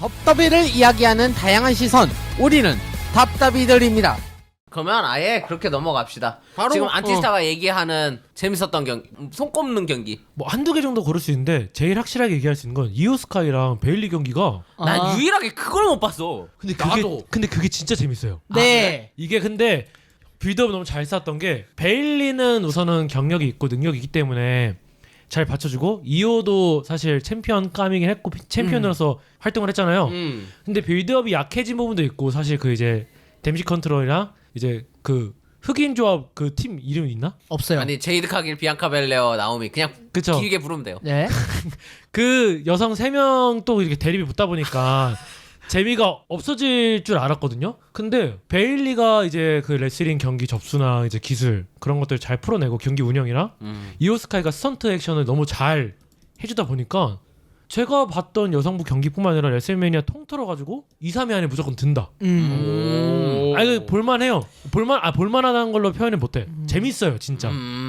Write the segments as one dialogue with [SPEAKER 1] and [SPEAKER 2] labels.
[SPEAKER 1] 덥더비를 이야기하는 다양한 시선, 우리는 답답이들입니다.
[SPEAKER 2] 그러면 아예 그렇게 넘어갑시다.
[SPEAKER 1] 바로,
[SPEAKER 2] 지금 안티스타가 얘기하는 재밌었던 경기, 손 꼽는 경기.
[SPEAKER 3] 뭐 한두 개 정도 고를 수 있는데 제일 확실하게 얘기할 수 있는 건 이오스카이랑 베일리 경기가.
[SPEAKER 2] 난 유일하게 그걸 못 봤어.
[SPEAKER 3] 근데 그게 진짜 재밌어요.
[SPEAKER 1] 네.
[SPEAKER 3] 이게 근데 빌드업 너무 잘 쌌던 게 베일리는 우선은 경력이 있고 능력이 있기 때문에 잘 받쳐주고 이오도 사실 챔피언 까미긴 했고 챔피언으로서 활동을 했잖아요. 근데 빌드업이 약해진 부분도 있고 사실 그 이제 데미지 컨트롤이랑 이제 그 흑인 조합 그 팀 이름 있나?
[SPEAKER 1] 없어요.
[SPEAKER 2] 아니 제이드 카길, 비앙카 벨레어, 나오미 그냥
[SPEAKER 3] 그쵸.
[SPEAKER 2] 길게 부르면 돼요.
[SPEAKER 1] 네.
[SPEAKER 3] 그 여성 3명 또 이렇게 대립이 붙다 보니까 재미가 없어질 줄 알았거든요. 근데 베일리가 이제 그 레슬링 경기 접수나 이제 기술 그런 것들 잘 풀어내고 경기 운영이랑 이오스카이가 스턴트 액션을 너무 잘 해주다 보니까 제가 봤던 여성부 경기뿐만 아니라 레슬매니아 통틀어 가지고 2, 3위 안에 무조건 든다. 아니 볼만해요. 볼만하다는 걸로 표현을 못해. 재밌어요 진짜.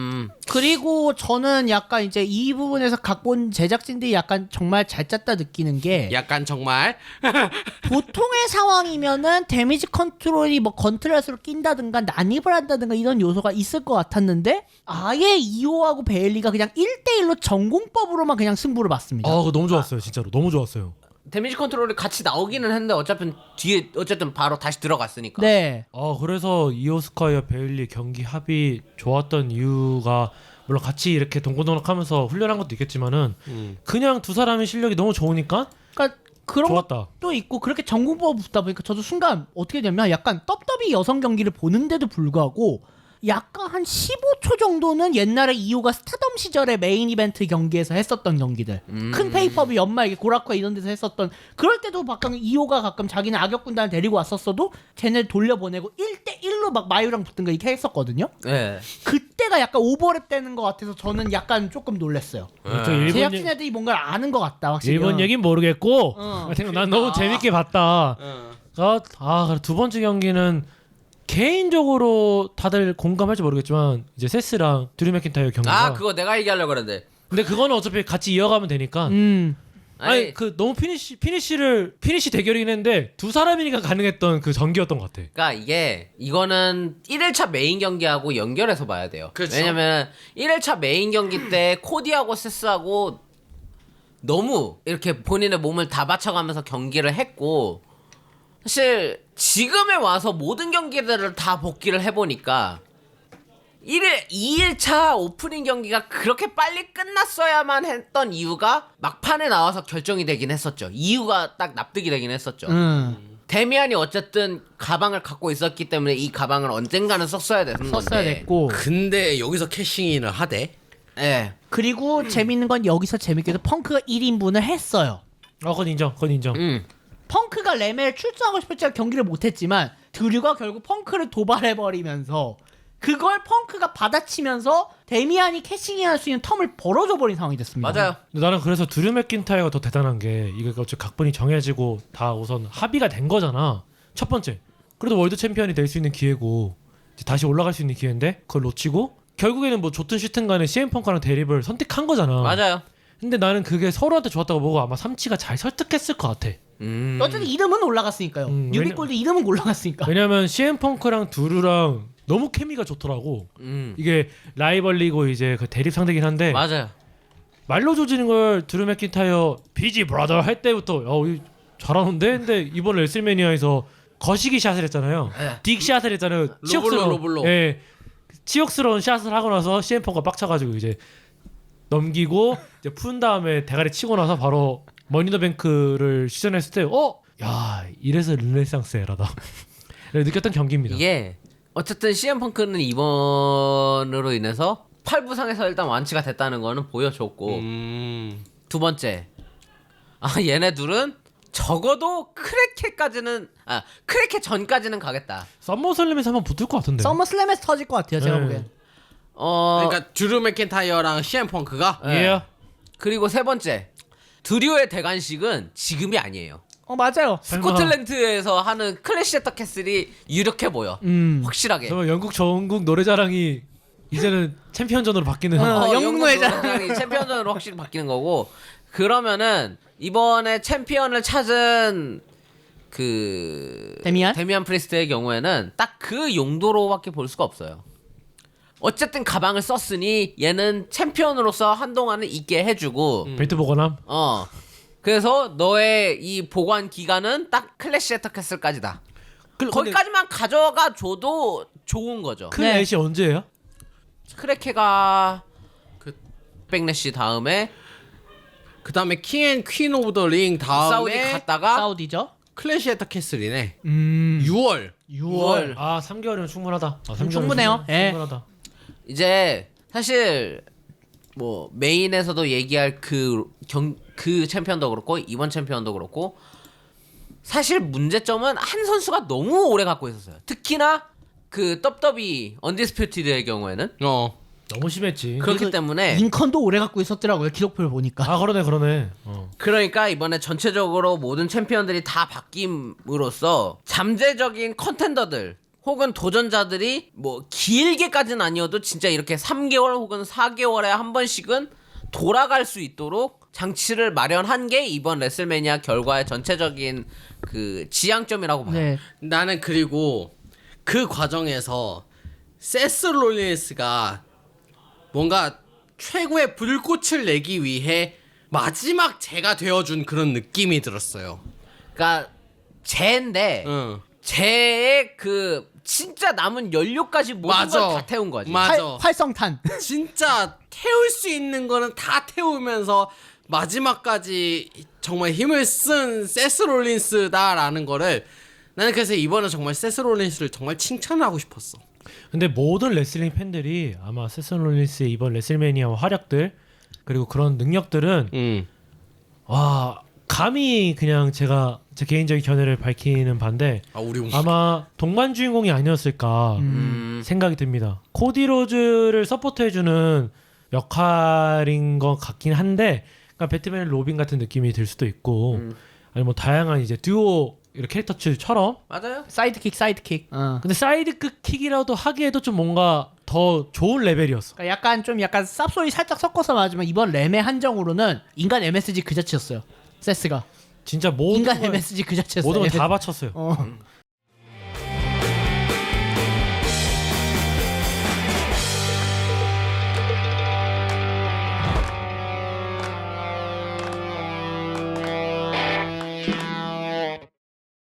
[SPEAKER 1] 그리고 저는 약간 이제 이 부분에서 각본 제작진들이 약간 정말 잘 짰다 느끼는 게
[SPEAKER 4] 약간 정말
[SPEAKER 1] 보통의 상황이면은 데미지 컨트롤이 뭐 건트렛으로 낀다든가 난입을 한다든가 이런 요소가 있을 것 같았는데 아예 이오하고 베일리가 그냥 1대1로 전공법으로만 그냥 승부를 봤습니다.
[SPEAKER 3] 그거 너무 좋았어요 진짜로. 너무 좋았어요.
[SPEAKER 2] 데미지 컨트롤이 같이 나오기는 했는데 어차피 뒤에 어쨌든 바로 다시 들어갔으니까.
[SPEAKER 1] 네.
[SPEAKER 3] 그래서 이오스카이와 베일리 경기 합이 좋았던 이유가 물론 같이 이렇게 동고동락하면서 훈련한 것도 있겠지만은 그냥 두 사람의 실력이 너무 좋으니까
[SPEAKER 1] 그러니까 그런
[SPEAKER 3] 좋았다.
[SPEAKER 1] 것도 있고 그렇게 전공법 붙다 보니까 저도 순간 어떻게 되냐면 약간 떡더비 여성 경기를 보는데도 불구하고 약간 한 15초 정도는 옛날에 이오가 스타덤 시절에 메인 이벤트 경기에서 했었던 경기들 큰 페이퍼비 연말 이게 고라쿠아 이런 데서 했었던 그럴 때도 가끔 이오가 가끔 자기는 악역 군단을 데리고 왔었어도 쟤네 돌려보내고 1대1로 막 마유랑 붙든가 이렇게 했었거든요.
[SPEAKER 2] 네.
[SPEAKER 1] 그때가 약간 오버랩 되는 것 같아서 저는 약간 조금 놀랐어요. 제작진 애들이 뭔가를 아는 것 같다 확실히.
[SPEAKER 3] 일본 얘긴 모르겠고 난 너무
[SPEAKER 1] 아.
[SPEAKER 3] 재밌게 봤다. 두 번째 경기는 개인적으로 다들 공감할지 모르겠지만 이제 세스랑 드류 맥킨타이어 경기가
[SPEAKER 2] 그거 내가 얘기하려고 그랬는데.
[SPEAKER 3] 근데 그거는 어차피 같이 이어가면 되니까 아니 그 너무 피니시 대결이긴 했는데 두 사람이니까 가능했던 그 전기였던 것 같아.
[SPEAKER 2] 그러니까 이거는 1일차 메인 경기하고 연결해서 봐야 돼요.
[SPEAKER 4] 그렇죠.
[SPEAKER 2] 왜냐면 1일차 메인 경기 때 코디하고 세스하고 너무 이렇게 본인의 몸을 다 바쳐가면서 경기를 했고 사실 지금에 와서 모든 경기들을 다 복귀를 해보니까 2일차 오프닝 경기가 그렇게 빨리 끝났어야만 했던 이유가 막판에 나와서 결정이 되긴 했었죠. 이유가 딱 납득이 되긴 했었죠. 데미안이 어쨌든 가방을 갖고 있었기 때문에 이 가방을 언젠가는 썼어야 되는 건데.
[SPEAKER 1] 썼어야 됐고.
[SPEAKER 4] 근데 여기서 캐싱인을 하대.
[SPEAKER 2] 예.
[SPEAKER 1] 그리고 재밌는 건 여기서 재밌게도 펑크가 1인분을 했어요.
[SPEAKER 3] 그건 인정.
[SPEAKER 1] 펑크가 레멜 출전하고 싶었지만 경기를 못했지만 드류가 결국 펑크를 도발해버리면서 그걸 펑크가 받아치면서 데미안이 캐싱할 수 있는 텀을 벌어줘버린 상황이 됐습니다.
[SPEAKER 2] 맞아요.
[SPEAKER 3] 근데 나는 그래서 드류 맥킨타이어가 더 대단한 게 이게 어차피 각본이 정해지고 다 우선 합의가 된 거잖아. 첫 번째 그래도 월드 챔피언이 될 수 있는 기회고 이제 다시 올라갈 수 있는 기회인데 그걸 놓치고 결국에는 뭐 좋든 싫든 간에 CM 펑크랑 대립을 선택한 거잖아.
[SPEAKER 2] 맞아요.
[SPEAKER 3] 근데 나는 그게 서로한테 좋았다고 보고 아마 삼치가 잘 설득했을 것 같아.
[SPEAKER 1] 어쨌든 이름은 올라갔으니까요. 뉴비골드 이름은 올라갔으니까.
[SPEAKER 3] 왜냐면 CM 펑크랑 드루랑 너무 케미가 좋더라고. 이게 라이벌리고 이제 그 대립 상대긴 한데
[SPEAKER 2] 맞아요.
[SPEAKER 3] 말로 조지는 걸 드루 맥킨타이어 비지 브라더 할 때부터 잘하는데 근데 이번 레슬매니아에서 거시기 샷을 했잖아요. 딕 샷을 했잖아요.
[SPEAKER 4] 로블로.
[SPEAKER 3] 예, 치욕스러운 샷을 하고 나서 CM 펑크가 빡쳐가지고 이제 넘기고 이제 푼 다음에 대가리 치고 나서 바로 머니더뱅크를 시전했을 때 야 이래서 르네상스 에라다 느꼈던 경기입니다.
[SPEAKER 2] 이게 어쨌든 CM 펑크는 이번으로 인해서 팔부상에서 일단 완치가 됐다는 거는 보여줬고 두 번째 얘네 둘은 적어도 크레켓 전까지는 가겠다.
[SPEAKER 3] 썸머슬림에서 한번 붙을 것 같은데.
[SPEAKER 1] 서머슬램에서 터질 것 같아요. 제가 보기엔.
[SPEAKER 4] 그러니까 드루 맥킨타이어랑 CM 펑크가
[SPEAKER 3] 예.
[SPEAKER 2] 그리고 세 번째 드류의 대관식은 지금이 아니에요.
[SPEAKER 1] 맞아요.
[SPEAKER 2] 스코틀랜드에서 하는 클래시 애터 캐슬이 유력해 보여. 확실하게.
[SPEAKER 3] 정말 영국 전국 노래자랑이 이제는 챔피언전으로 바뀌는.
[SPEAKER 1] 영웅 노래자랑.
[SPEAKER 2] 챔피언전으로 확실히 바뀌는 거고 그러면은 이번에 챔피언을 찾은 데미안 프리스트의 경우에는 딱 그 용도로밖에 볼 수가 없어요. 어쨌든 가방을 썼으니 얘는 챔피언으로서 한동안은 있게 해주고
[SPEAKER 3] 벨트 보관함.
[SPEAKER 2] 그래서 너의 이 보관 기간은 딱 클래시 에터캐슬까지다.
[SPEAKER 3] 근데
[SPEAKER 2] 거기까지만 가져가 줘도 좋은 거죠.
[SPEAKER 3] 클래시 언제예요?
[SPEAKER 2] 크레케가
[SPEAKER 4] 그-
[SPEAKER 2] 백래시 다음에
[SPEAKER 4] 그 다음에 킹앤퀸 오브 더 링
[SPEAKER 2] 사우디
[SPEAKER 4] 다음에
[SPEAKER 2] 갔다가
[SPEAKER 1] 사우디죠.
[SPEAKER 4] 클래시 에터 캐슬이네.
[SPEAKER 1] 6월.
[SPEAKER 2] 6월.
[SPEAKER 3] 아 3개월이면 충분하다. 3개월이면
[SPEAKER 1] 충분해요. 예.
[SPEAKER 3] 충분하다.
[SPEAKER 2] 이제 사실 뭐 메인에서도 얘기할 그 챔피언도 그렇고 이번 챔피언도 그렇고 사실 문제점은 한 선수가 너무 오래 갖고 있었어요. 특히나 그 떡더비 언디스퓨티드의 경우에는
[SPEAKER 3] 너무 심했지.
[SPEAKER 2] 그렇기 때문에
[SPEAKER 1] 링컨도 오래 갖고 있었더라고요. 기록표를 보니까.
[SPEAKER 3] 아 그러네.
[SPEAKER 2] 그러니까 이번에 전체적으로 모든 챔피언들이 다 바뀜으로써 잠재적인 컨텐더들 혹은 도전자들이 뭐 길게까지는 아니어도 진짜 이렇게 3개월 혹은 4개월에 한 번씩은 돌아갈 수 있도록 장치를 마련한 게 이번 레슬매니아 결과의 전체적인 그 지향점이라고 봐요.
[SPEAKER 1] 네.
[SPEAKER 4] 나는 그리고 그 과정에서 세스 롤린스가 뭔가 최고의 불꽃을 내기 위해 마지막 제가 되어준 그런 느낌이 들었어요.
[SPEAKER 2] 그러니까 쟤인데
[SPEAKER 4] 응.
[SPEAKER 2] 쟤의 그 진짜 남은 연료까지 모든 걸
[SPEAKER 4] 맞아.
[SPEAKER 2] 다 태운 거지.
[SPEAKER 4] 맞아.
[SPEAKER 1] 활성탄.
[SPEAKER 4] 진짜 태울 수 있는 거는 다 태우면서 마지막까지 정말 힘을 쓴 세스 롤린스다라는 거를 나는 그래서 이번에 정말 세스 롤린스를 정말 칭찬하고 싶었어.
[SPEAKER 3] 근데 모든 레슬링 팬들이 아마 세스 롤린스의 이번 레슬매니아 활약들 그리고 그런 능력들은 와 감히 그냥 제가 제 개인적인 견해를 밝히는 반대
[SPEAKER 4] 우리
[SPEAKER 3] 아마 동반 주인공이 아니었을까 생각이 듭니다. 코디 로즈를 서포트해주는 역할인 것 같긴 한데, 그러니까 배트맨 로빈 같은 느낌이 들 수도 있고, 아니 뭐 다양한 이제 듀오 이런 캐릭터들처럼.
[SPEAKER 2] 맞아요.
[SPEAKER 1] 사이드킥.
[SPEAKER 3] 근데 사이드킥 킥이라도 하기에도 좀 뭔가 더 좋은 레벨이었어.
[SPEAKER 1] 그러니까 약간 쌉소리 살짝 섞어서 말하지만 이번 램의 한정으로는 인간 MSG 그 자체였어요. 세스가
[SPEAKER 3] 진짜 모든
[SPEAKER 1] 인간
[SPEAKER 3] 걸,
[SPEAKER 1] MSG 그 자체였어요.
[SPEAKER 3] 모든 걸 다 바쳤어요.